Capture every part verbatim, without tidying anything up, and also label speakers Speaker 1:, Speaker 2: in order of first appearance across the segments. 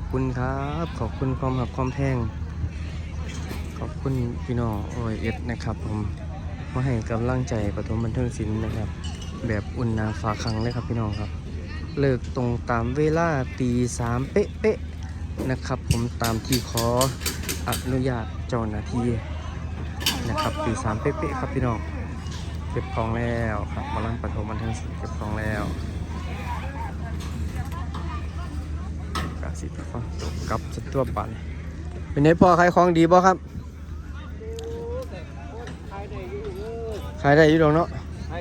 Speaker 1: คุณครับขอบคุณความหักความแพงขอบคุณพี่น้องโอเอสนะครับผมมาให้กำลังใจปฐมบันเทิงศิลป์นะครับแบบอุ่นหนาฝาคังเลยครับพี่น้องครับเลิกตรงตามเวลาตีสามเป๊ะๆนะครับผมตามที่ขออนุญาตเจ้าหน้าที่นะครับตีสามเป๊ะๆครับพี่น้องเก็บของแล้วครับมาลั่นปฐมบันเทิงศิลป์เก็บของแล้วกาสิฟังจบกับสตัวปันเป็นไงพ่อขายของดีบ่ครับขายได้อยู่ดอกเนาะ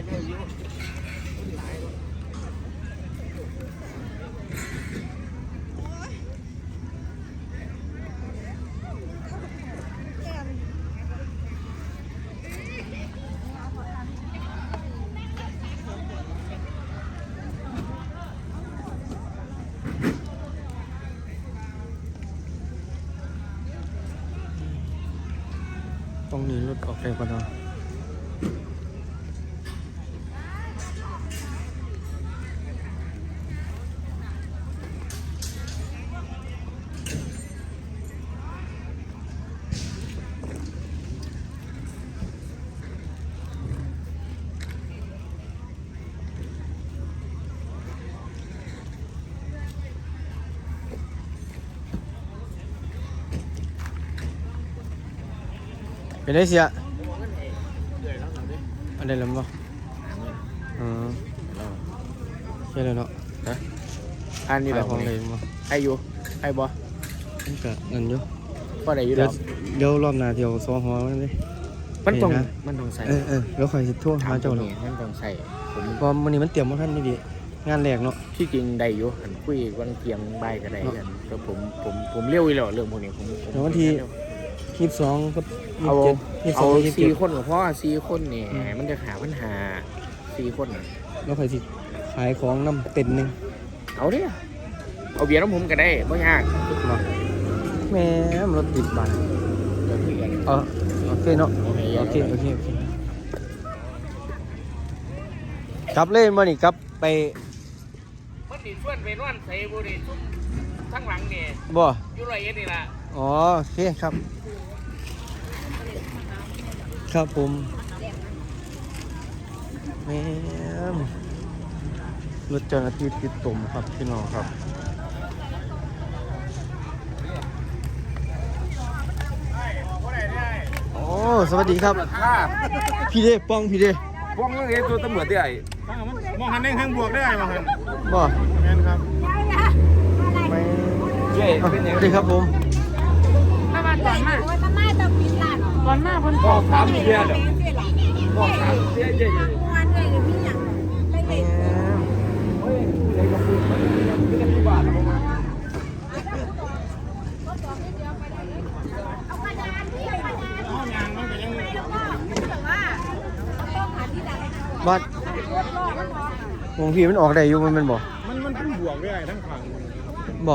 Speaker 1: ตรงนี้รถออกได้ปะเนาะเป็นได้เสียอันใดลำบ่อืมใช่เลยเนาะฮะ
Speaker 2: อันนี้แบบ
Speaker 1: ของเลยบ่
Speaker 2: ไออยู่ไอบ่
Speaker 1: มันก็เงินอยู่
Speaker 2: ก็ได้อยู่
Speaker 1: เดี๋
Speaker 2: แล้
Speaker 1: ยว วเดี๋ยวรอบหน้าเดี๋ยวซ้อหอมันดิ
Speaker 2: มันต้องมันต้องใส่
Speaker 1: เออเออเดี๋ยวคอยสิโทรหาเจ้าเนาะ
Speaker 2: มันต้องใส่ผม
Speaker 1: เพราะมื้อนี้มันเตรียมบ่ทันนี่ดิงานแรกเนาะ
Speaker 2: ที่จริงได้อยู่หันคุยวันเกียงใบก็ได้กันก็ผมผมผมเลี้ยวอีหล่อเรื่องพวกนี้ผม
Speaker 1: เดี๋ยววันที่ยี่สิบสองกับยี่
Speaker 2: เอา
Speaker 1: สิบเจ็ดยี่สิบสอ
Speaker 2: เอา
Speaker 1: งยี่สิบเจ็
Speaker 2: สี่
Speaker 1: ด
Speaker 2: คนกับพ่อสี่คนเนี่ยมันจะหาปัญหาสี่คน
Speaker 1: แล้วคอยสิขายของนำเต็นท์นึง
Speaker 2: เอาดิเอาเบียร์น้ำผมก็ได้ไม่ยาก
Speaker 1: เนาะแม่รถติดบาน
Speaker 2: เดี๋ยวคุยกัน
Speaker 1: เออโอเคเนาะโอเคโอเคโอเคกลับเล่นมานี่กลับไป
Speaker 2: มันดิชวนไปนอนใส่บุหรี่ชุ่มทั้งหลังเนี่ย
Speaker 1: บ่
Speaker 2: อยู่ไรเอ็ดนี่ล่ะ
Speaker 1: อ๋อโอเคครับครับผมแม่มรถเจ้าหน้าที่ติดตุ่มครับพี่น้องครับโอ้สวัสดีครับพี่เด้ป้องพี่เด้
Speaker 2: พวกนี้ตัวตำรวจที่ไหน
Speaker 3: มองหันเองข้างบวกได้ไหมมองหัน
Speaker 1: บ่
Speaker 3: แม่นครับ
Speaker 1: ไม่
Speaker 2: เย้เป็นยัง
Speaker 1: สวัสดีครับผม
Speaker 4: มามาก่อนมาโอ้ยมามาต้องปิดร้านก่อนมาเพิ่น
Speaker 2: บอกสามเดือนแล้วบอกสามเดือนเย้
Speaker 4: วันเลยมีหยังไป
Speaker 1: แม่
Speaker 4: เล่น
Speaker 1: ม
Speaker 4: เอากระดานที่กระดาน
Speaker 3: เอายางมันก็ยัง
Speaker 4: แล้วก็แต่ว่าต้องหาที่ใด
Speaker 1: บัดวงพี่มันออกได้อยู่มันเป็นบ่
Speaker 3: มันมันเป็นบวกได้ทั้งฝั่ง
Speaker 1: บ่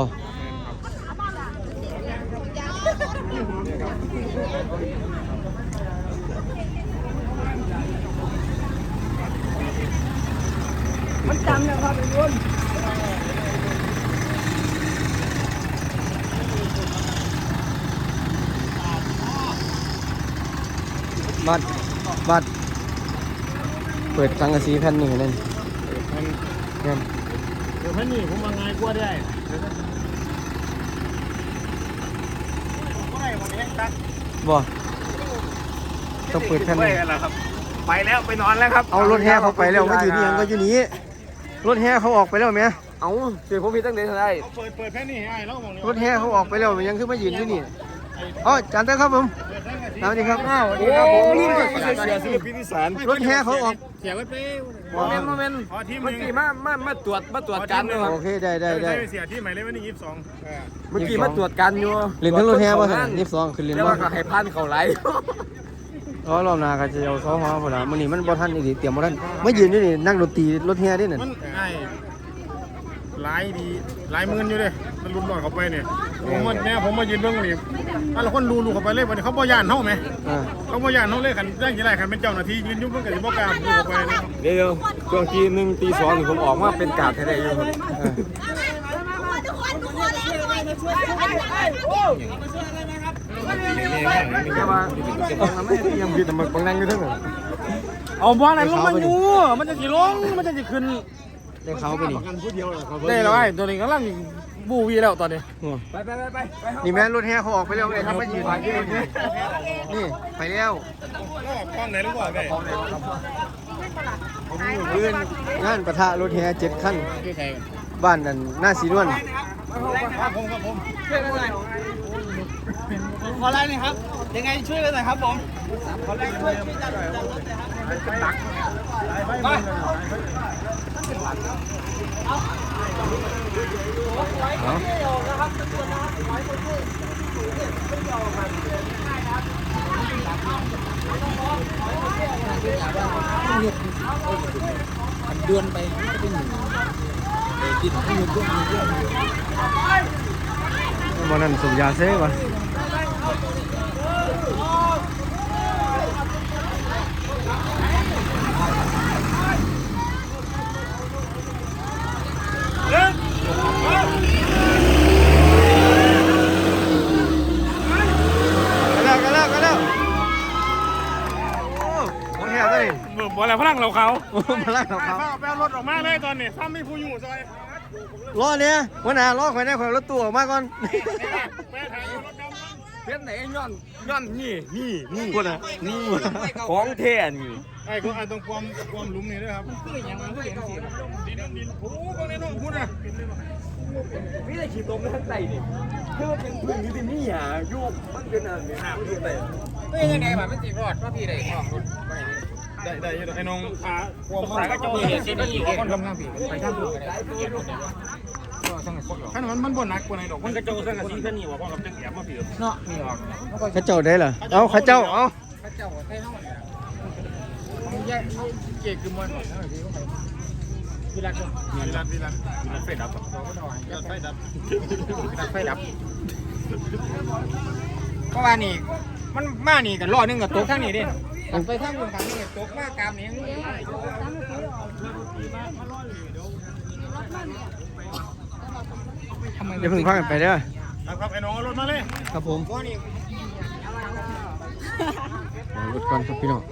Speaker 4: มันจำนะครับทุกคน
Speaker 1: บัดบัดเปิดสังกะสีแผ่นหนึ่งนั่น
Speaker 3: มัน
Speaker 1: นั่น
Speaker 3: เดี๋ยวพันนี่ผมมาไงกลัวได้ก็ได้วันนี้ตัด
Speaker 1: บ่ต้องเปิดแผ่นหนึ่ง
Speaker 2: ไปแล้วไปนอนแล้วครับ
Speaker 1: เอารถแห่เขาไปแล้วไม่อยู่นี่ยังก็อยู่นี้รถแห่เขาออกไปแล้วไหม
Speaker 2: เอาเสียผมผิดตั้งแต่เท่าไร
Speaker 3: เปิดเปิดแค่นี้ให้แล้วมอง
Speaker 1: รถแห่เขาออกไปแล้วยังคือมายืนอยู่นี่อ๋อจานเต้ครับผมสวัสดีครับ
Speaker 2: โอ้รุ่นเสียเสียศิลปินอีสาน
Speaker 1: รถแห่เขาออก
Speaker 3: เสียไว้เป้
Speaker 2: โมเมนต์โมเมนต์
Speaker 3: พอทีม
Speaker 2: เมื่อกี้มามามาตรวจมาตรวจการอยู่
Speaker 1: โอเคได้ได้ได้
Speaker 3: เสียที่หมายเลขวันนี้ยี่สิบสอง
Speaker 2: เมื่อกี้มาตรวจการอยู่
Speaker 1: เล่นทั้งรถแห่ป่ะท่านยี่สิบสองคือเล่น
Speaker 2: แล้ว
Speaker 1: ว่า
Speaker 2: ก็ให้พันเขาไหล
Speaker 1: อ๋อรอบหน้าก็จะเอาซ้อมหัวพอละมื้อนี้มันบ่ทันอีกเตรียมบ่ทันมายืนอยู่นี่นั่งดนตรีรถแห่ดินั่น
Speaker 3: มันไอ้หลายดีหลายหมื่นอยู่เลยมันรุนหน่อยเขาไปเนี่ยผมมาเนี่ยผมมายืนเบื้องนี่ถ้าเราคนดูดูเขาไปเลยวันนี้เขาบ่ย่านเท่าไหม
Speaker 1: อ่า
Speaker 3: เขาบ่ย่านเท่าเลยขันแจ้งกี่ไรขันเป็นเจ้าหน้าที่ยืนยุ่งเพื่อนกับที่บ่กล้าดูเขาไปเลย
Speaker 2: เดี๋ยวช่วงทีหนึ่งตีสองผมออกมาเป็นกาดแท้ๆอยู่ครับ
Speaker 1: อ่า
Speaker 4: ทุกคนทุกคนแล้ว
Speaker 1: แต่ว่าบางนั้นไม่ยังผิดแต่บางนั่งอยู่ทั้งนั้น
Speaker 3: เอาบ้านไหนลงมันอยู่มันจะสิลงมันจะสิขึ้น
Speaker 1: ได้เขาไปนี่
Speaker 3: ได้แล้วไอ้ตัวนี้กำลังบูวีแล้วตอนนี้
Speaker 1: ไปไปไปไปนี่แม่รถแห่เขาออกไปแล้วไอ้ครับไม่ยืนนี่ไปแล้ว
Speaker 3: กล้องไหนรู้ว่าไง
Speaker 1: เพื่อนงานประทะรถแห่เจ็ดขั้นบ้านนั่นหน้าสีนวล
Speaker 3: ครับผมครับผม
Speaker 2: ขอไลน์หน่อยครับยังไงช่วยกันหน่อยครับผมขอไลน์ช่วยช่วยจัดจัดรถหน่อยครับไปเดือนไปก็เป็นหนึ่งกินให้เยอะๆเยอะ
Speaker 1: วันนั้นสูบยาเซ่ก่อนกันแล้วกันแล้วกันแล้วโอ้โหแห่เลย
Speaker 3: บ่อะไรพลังเราเขา
Speaker 1: โอ้มาลักเขา
Speaker 3: แปลรถออกมาเลยตอนนี้ซ้ำมีผู้อยู่ซอย
Speaker 1: ล้อเนี่ยวันน่ะล้อข่อยได้ข่อยรถตู้ออกมาก่อน
Speaker 3: แม่ถ่ายรถดำ
Speaker 2: เพี้ยนไหนย้อนย้อนนี่นี่นี่
Speaker 1: พูดอ่ะนี่
Speaker 2: ของแท้นี่
Speaker 3: ไอ้ก็ไอ้ตรงความความหลุมนี่ด้วยครับดินดินโอ้โหตรงนี้น้องพูดนะ
Speaker 2: ไม่ได้ขี่ตรงข้างใต้นี่คือมันเป็นพื้นที่ที่มีหาอยู่มันเป็นอะไรเนี่ยมันอยู่ไหนไม่ยังไงแบบมันจีรอดว่าพี่ได้ของรถไป
Speaker 3: ได้ได้ไอ้น้องขาควม
Speaker 2: สายก็โจเห็นที่นี่คนทำงานผีไปทางผีได้เกียรติคนเดียว
Speaker 3: ขนาดมันมันบ่หนักกว่าไหนดอก
Speaker 2: มันกระโจนสังกะสีแค่นี้ว่าเราจะแอบมาผีเนาะนี่ออก
Speaker 1: เขาเจ้าได้เหรอเอาเขาเจ้าเอา
Speaker 2: พระเจ้าใส่ห้องเนี่ยมันแยกเกียรติคือมันหมดแล้วพี่เขาไปวิรัต
Speaker 3: วิรัตวิรัต
Speaker 2: วิรัตไฟดับ
Speaker 3: วิรัตไฟดับ
Speaker 2: วิรัตไฟดับเพราะว่านี่มันมานี่กันรอนึงกับตกทั้งนี้ดิไปทางบนทางนี้ตกมากามนี้
Speaker 1: อย่าเพิ่งพากันไปเด้อ
Speaker 3: ครับไอ้น้องเอารถมาเลย
Speaker 1: ครับผม
Speaker 2: เพราะนี่
Speaker 1: เอารถก่อนครับพี่น้อง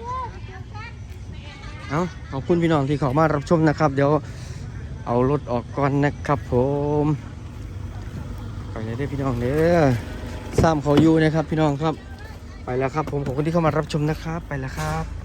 Speaker 1: เอาขอบคุณพี่น้องที่เข้ามารับชมนะครับ เดี๋ยวเอารถออกก่อนนะครับผมไปเลยเด้อพี่น้องเด้อซ้ำเขาอยู่นะครับพี่น้องครับไปแล้วครับผมขอบคุณที่เข้ามารับชมนะครับไปแล้วครับ